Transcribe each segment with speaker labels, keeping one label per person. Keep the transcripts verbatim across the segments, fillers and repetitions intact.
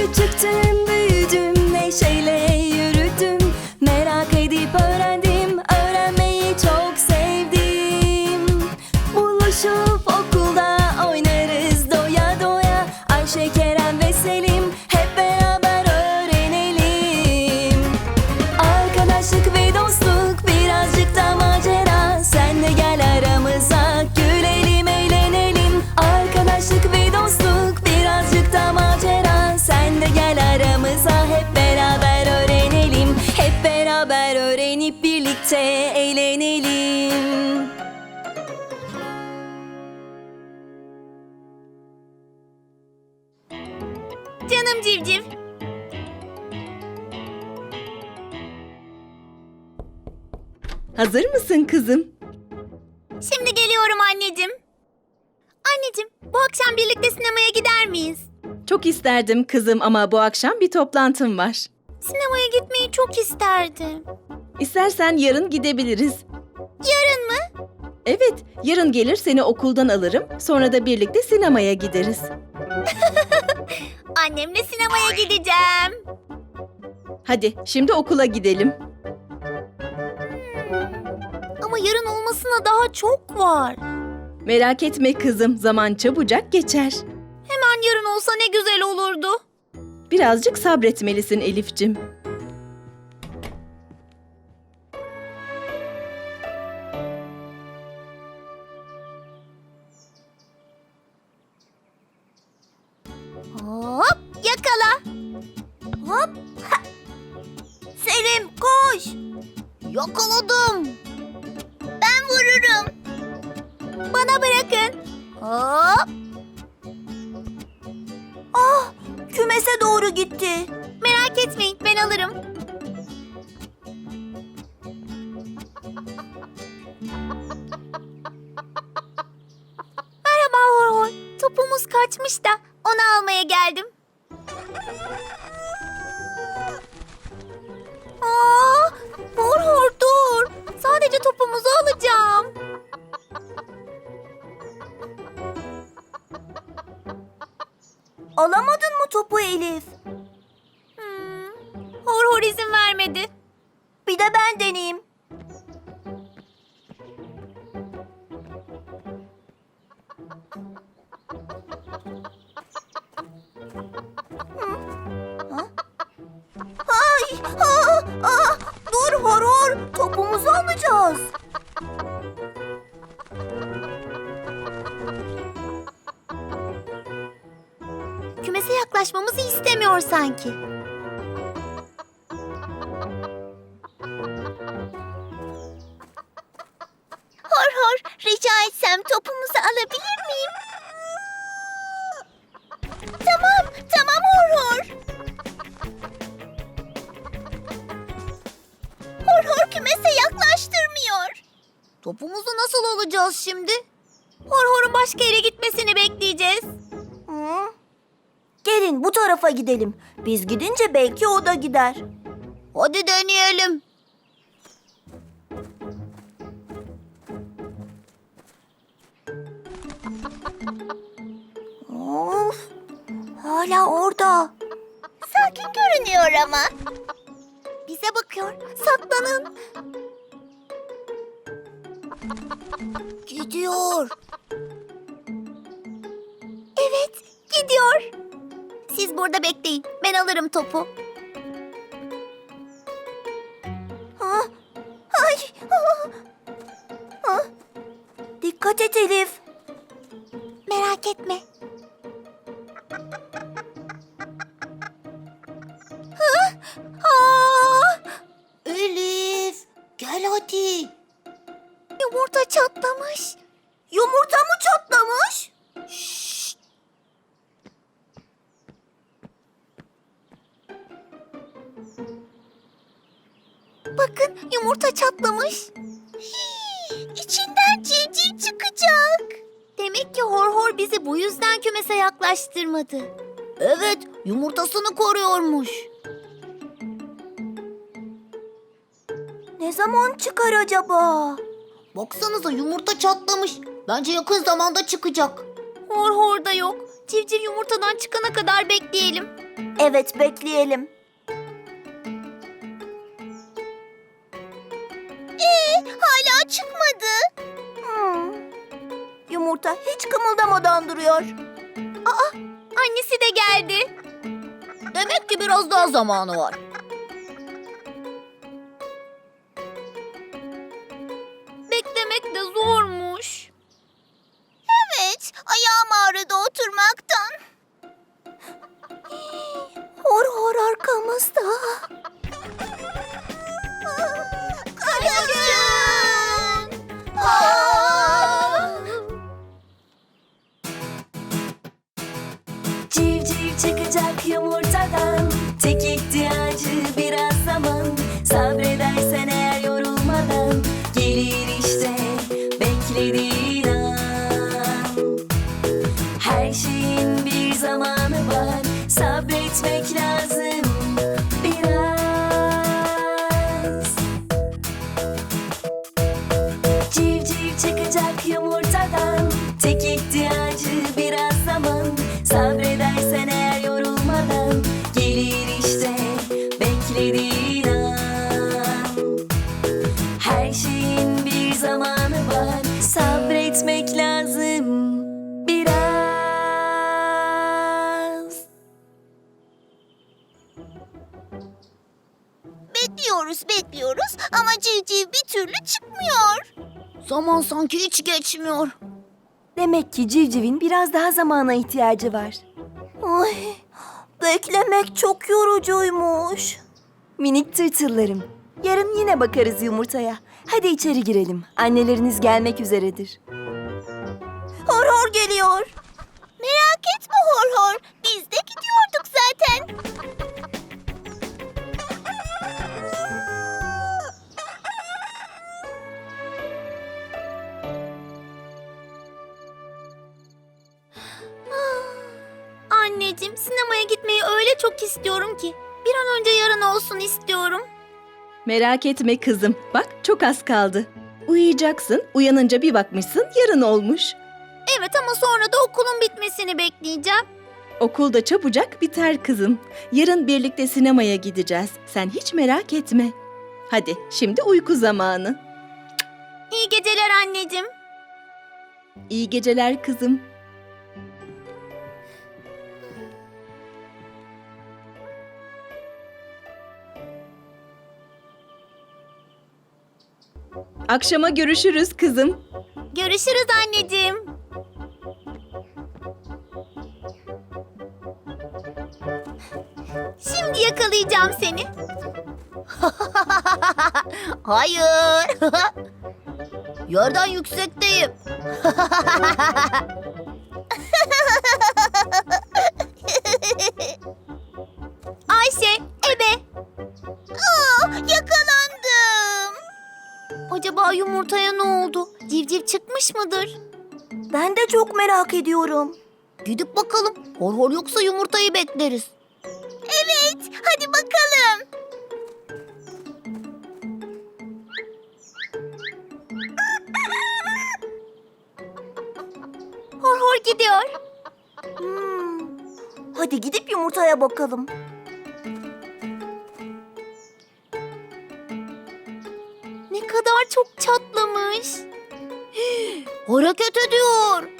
Speaker 1: Küçüktüm, büyüdüm, neşeyle yürüdüm. Merak edip öğrendim, öğrenmeyi çok sevdim. Buluşup okulda oynarız doya doya. Ayşe, Kerem ve Selim hep beraber öğrenelim. Arkadaşlık ve dostluk, birazcık da macera. Sen de gel aramıza, gülelim, eğlenelim. Arkadaşlık ve dostluk, birazcık da macera. Sen de gel aramıza, hep beraber öğrenelim. Hep beraber öğrenip birlikte eğlenelim.
Speaker 2: Canım civciv.
Speaker 1: Hazır mısın kızım?
Speaker 2: Şimdi geliyorum anneciğim. Anneciğim, bu akşam birlikte sinemaya gider miyiz?
Speaker 1: Çok isterdim kızım ama bu akşam bir toplantım var.
Speaker 2: Sinemaya gitmeyi çok isterdim.
Speaker 1: İstersen yarın gidebiliriz.
Speaker 2: Yarın mı?
Speaker 1: Evet, yarın gelir seni okuldan alırım. Sonra da birlikte sinemaya gideriz.
Speaker 2: Annemle sinemaya gideceğim.
Speaker 1: Hadi şimdi okula gidelim.
Speaker 2: Ama yarın olmasına daha çok var.
Speaker 1: Merak etme kızım, zaman çabucak geçer.
Speaker 2: Hemen yarın olsa ne güzel olurdu.
Speaker 1: Birazcık sabretmelisin Elif'cim.
Speaker 2: Hop, yakala. Hop. Ha. Selim, koş. Yakaladım. Ben vururum. Bana bırakın. Hop. Ah, kümese doğru gitti. Merak etmeyin, ben alırım. Merhaba Horhor. Topumuz kaçmış da onu almaya geldim. Aa, Horhor dur. Sadece topumuzu alacağım. Alamadın mı topu Elif? Hmm, Horhor izin vermedi. Bir de ben deneyeyim. Ay, aa, aa, dur Horhor, topumuzu alacağız. Kümese yaklaşmamızı istemiyor sanki. Horhor, rica etsem topumuzu alabilir miyim? Tamam, tamam Horhor. Horhor kümese yaklaştırmıyor. Topumuzu nasıl alacağız şimdi? Horhor'un başka yere gitmesini bekleyeceğiz. Hı? Gelin bu tarafa gidelim. Biz gidince belki o da gider. Hadi deneyelim. Of, hala orada. Sakin görünüyor ama. Bize bakıyor. Saklanın. Gidiyor. Evet, gidiyor. Siz burada bekleyin. Ben alırım topu. Ha? Ay. Ha. Ha. Dikkat et Elif. Merak etme. Ha? Aa! Elif, gel hadi. Yumurta çatlamış. Yumurta mı çatlamış? Şşt. Bakın yumurta çatlamış. Hii, içinden civciv çıkacak. Demek ki Horhor bizi bu yüzden kümese yaklaştırmadı. Evet, yumurtasını koruyormuş. Ne zaman çıkar acaba? Baksanıza yumurta çatlamış. Bence yakın zamanda çıkacak. Hor hor da yok. Civciv yumurtadan çıkana kadar bekleyelim. Evet, bekleyelim. Ee, hala çıkmadı. Hmm. Yumurta hiç kımıldamadan duruyor. Aa, annesi de geldi. Demek ki biraz daha zamanı var. Beklemek de zormuş. Evet, ayağım ağrıdı oturmaktan. Hor hor arkamızda. Kaçın!
Speaker 3: Civciv çıkacak yumurtadan. Tek ihtiyacı biraz zaman. Sabredersen eğer yorulmadan gelir işte beklediğin an. Her şeyin bir zamanı var. Sabretmek lazım biraz. Civciv çıkacak yumurtadan. Tek ihtiyacı biraz zaman. Sabredersen eğer yorulmadan gelir işte beklediğin an. Her şeyin bir zamanı var. Sabretmek lazım biraz.
Speaker 2: Bekliyoruz, bekliyoruz ama civciv bir türlü çıkmıyor. Zaman sanki hiç geçmiyor.
Speaker 3: Demek ki civcivin biraz daha zamana ihtiyacı var.
Speaker 2: Ay, beklemek çok yorucuymuş.
Speaker 3: Minik tırtıllarım, yarın yine bakarız yumurtaya. Hadi içeri girelim. Anneleriniz gelmek üzeredir.
Speaker 2: Hor hor geliyor. Merak etme hor hor. Biz de gidiyorduk zaten. Anneciğim, sinemaya gitmeyi öyle çok istiyorum ki. Bir an önce yarın olsun istiyorum.
Speaker 1: Merak etme kızım. Bak çok az kaldı. Uyuyacaksın. Uyanınca bir bakmışsın yarın olmuş.
Speaker 2: Evet ama sonra da okulun bitmesini bekleyeceğim.
Speaker 1: Okul da çabucak biter kızım. Yarın birlikte sinemaya gideceğiz. Sen hiç merak etme. Hadi şimdi uyku zamanı.
Speaker 2: İyi geceler anneciğim.
Speaker 1: İyi geceler kızım. Akşama görüşürüz kızım.
Speaker 2: Görüşürüz anneciğim. Şimdi yakalayacağım seni. Hayır. Yerden yüksekteyim. Ayşe, ebe. Aa, yakalandım. Acaba yumurtaya ne oldu? Civciv çıkmış mıdır? Ben de çok merak ediyorum. Gidip bakalım. Hor hor yoksa yumurtayı bekleriz. Evet, hadi bakalım. Hor hor gidiyor. Hmm. Hadi gidip yumurtaya bakalım. Ne kadar çok çatlamış. Hareket ediyor.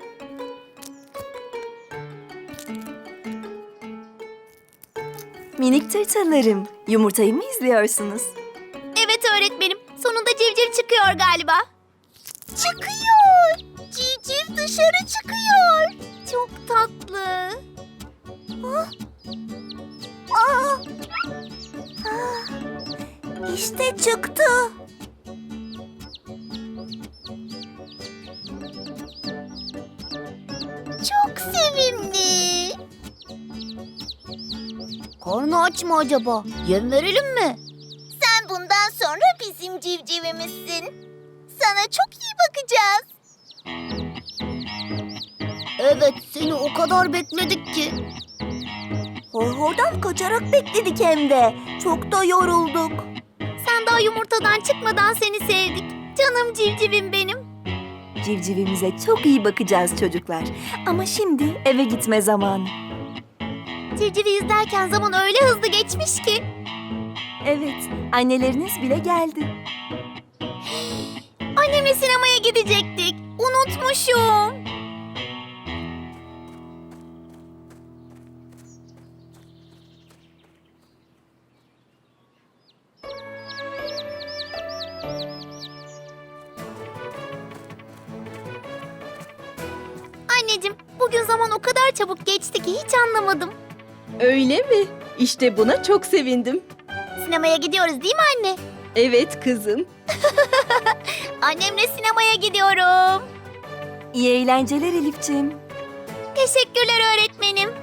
Speaker 3: Minik tırtıllarım, yumurtayı mı izliyorsunuz?
Speaker 2: Evet öğretmenim. Sonunda civciv çıkıyor galiba. Çıkıyor. Civciv dışarı çıkıyor. Çok tatlı. Ah. Aa. Ah. İşte çıktı. Çok sevimli. Karnı aç mı acaba? Yem verelim mi? Sen bundan sonra bizim civcivimizsin. Sana çok iyi bakacağız. Evet, seni o kadar bekledik ki. Horhordan kaçarak bekledik hem de. Çok da yorulduk. Sen daha yumurtadan çıkmadan seni sevdik. Canım civcivim benim.
Speaker 3: Civcivimize çok iyi bakacağız çocuklar. Ama şimdi eve gitme zamanı.
Speaker 2: Civcivi izlerken zaman öyle hızlı geçmiş ki.
Speaker 3: Evet, anneleriniz bile geldi.
Speaker 2: Annemle sinemaya gidecektik. Unutmuşum. Anneciğim, bugün zaman o kadar çabuk geçti ki hiç anlamadım.
Speaker 1: Öyle mi? İşte buna çok sevindim.
Speaker 2: Sinemaya gidiyoruz değil mi anne?
Speaker 1: Evet kızım.
Speaker 2: Annemle sinemaya gidiyorum.
Speaker 3: İyi eğlenceler Elifciğim.
Speaker 2: Teşekkürler öğretmenim.